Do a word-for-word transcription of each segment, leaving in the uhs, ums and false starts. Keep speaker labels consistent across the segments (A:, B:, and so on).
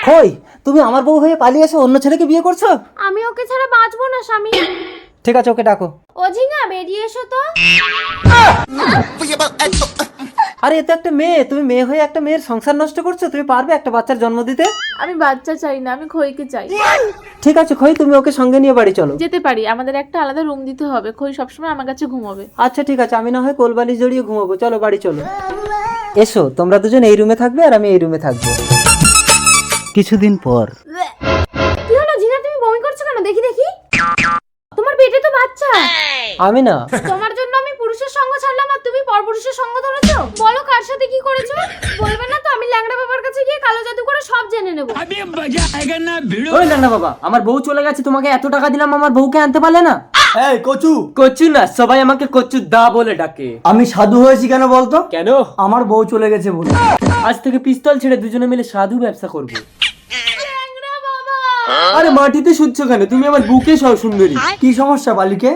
A: কই তুমি আমার বউ হয়ে পালিয়ে এসে অন্য ছেলেকে বিয়ে করছো?
B: আমি ওকে ছাড়া বাঁচবো না স্বামী।
A: ঠিক আছে, ওকে ডাকো।
B: ও ঝিঙা বেরিয়ে এসো তো।
A: আরে এ তো একটা মেয়ে, তুমি মেয়ে হয়ে একটা মেয়ের সংসার নষ্ট করছো। তুমি পারবে একটা বাচ্চার জন্ম দিতে?
B: আমি বাচ্চা চাই না, আমি খইকে চাই।
A: ঠিক আছে খই, তুমি ওকে সঙ্গে নিয়ে বাড়ি চলো।
B: যেতে পারি, আমাদের একটা আলাদা রুম দিতে হবে। খই সবসময় আমার কাছে ঘুমাবে।
A: আচ্ছা ঠিক আছে, আমি না হয় কোলবালিশ জড়িয়ে ঘুমাবো। চলো বাড়ি চলো। এসো, তোমরা দুজন এই রুমে থাকবে আর আমি এই রুমে থাকবো। কিছুদিন পর।
B: কি হলো ঝিঙা, তুমি বমি করছো কেন? দেখি দেখি, তোমার পেটে তো বাচ্চা।
A: আমি না,
B: তোমার জন্য আমি পুরুষের সঙ্গ ছাড়লাম আর তুমি পরপুরুষের সঙ্গ ধরেছো। বলো কার সাথে কি করেছো? বলবে না তো? আমি ল্যাংড়া বাবার কাছে গিয়ে কালো জাদু করে সব জেনে নেব।
A: ওই ল্যাংড়া বাবা, আমার বউ চলে গেছে, তোমাকে এত টাকা দিলাম, আমার বউকে আনতে পারলে না?
C: এই কচু,
A: কচু না, সবাই আমাকে কচু দা বলে ডাকে।
C: আমি সাধু হয়েছি কেন বলতো?
A: কেন?
C: আমার বউ চলে গেছে বলে।
A: আজ থেকে পিস্তল ছেড়ে দুজনে মিলে সাধু ব্যবসা করবো।
B: ল্যাংড়া বাবা,
A: আরে মাটিতে শুচ্ছ কেন? তুমি আমার বুকে সব সুন্দরী।
C: কি সমস্যা বালিকে?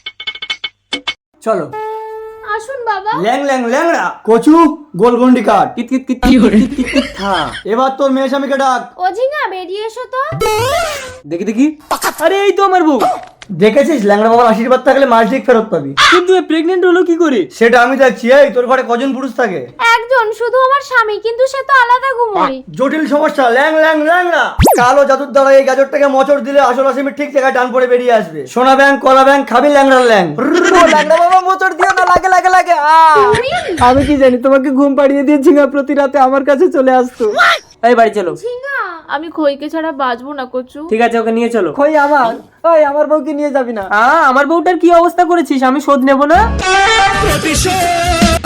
C: চলো।
B: আসুন বাবা।
C: ল্যাং ল্যাং ল্যাংড়া কচু, গোলগন্ডি কাট।
A: কিত কিত কিত কিত কিত কিত কিত থা।
C: এবার তোর মেয়ে স্বামীকে ডাক।
B: ও ঝিঙা বেরিয়ে এসো তো।
A: দেখি দেখি। আরে এই তো আমার বউ।
C: দেখেছিস, ল্যাংড়া বাবার আশীর্বাদ থাকলে মাস ঠিক ফেরত পাবি।
A: কিন্তু প্রেগনেন্ট হলো কি করে?
C: সেটা আমি দেখছি। এই তোর ঘরে কজন পুরুষ থাকে?
B: একজন, শুধু আমার স্বামী, কিন্তু সে তো আলাদা ঘুমোয়।
C: জটিল সমস্যা। ল্যাং ল্যাং ল্যাংড়া কালো জাদুর দ্বারা এই গাজরটাকে মোচড় দিলে আসল আসামি ঠিক জায়গায় টান পড়ে বেরিয়ে আসবে। সোনা ব্যাং কলা ব্যাং খাবি ল্যাংড়ার ল্যাং।
A: ল্যাংড়া বাবা মোচড় দিও না, লাগে লাগে লাগে। আমি কি জানি, তোমাকে ঘুম পাড়িয়ে দিয়ে ঝিঙা প্রতি রাতে আমার কাছে চলে আসতো। এই বাড়ি চলো।
B: ঝিঙা, আমি খইকে ছাড়া বাঁচবো না কচু।
A: ঠিক আছে, ওকে নিয়ে চলো। কই আমার? ওই আমার বউকে নিয়ে যাবি না? আমার বউটার কি অবস্থা করেছিস? আমি শোধ নেব না।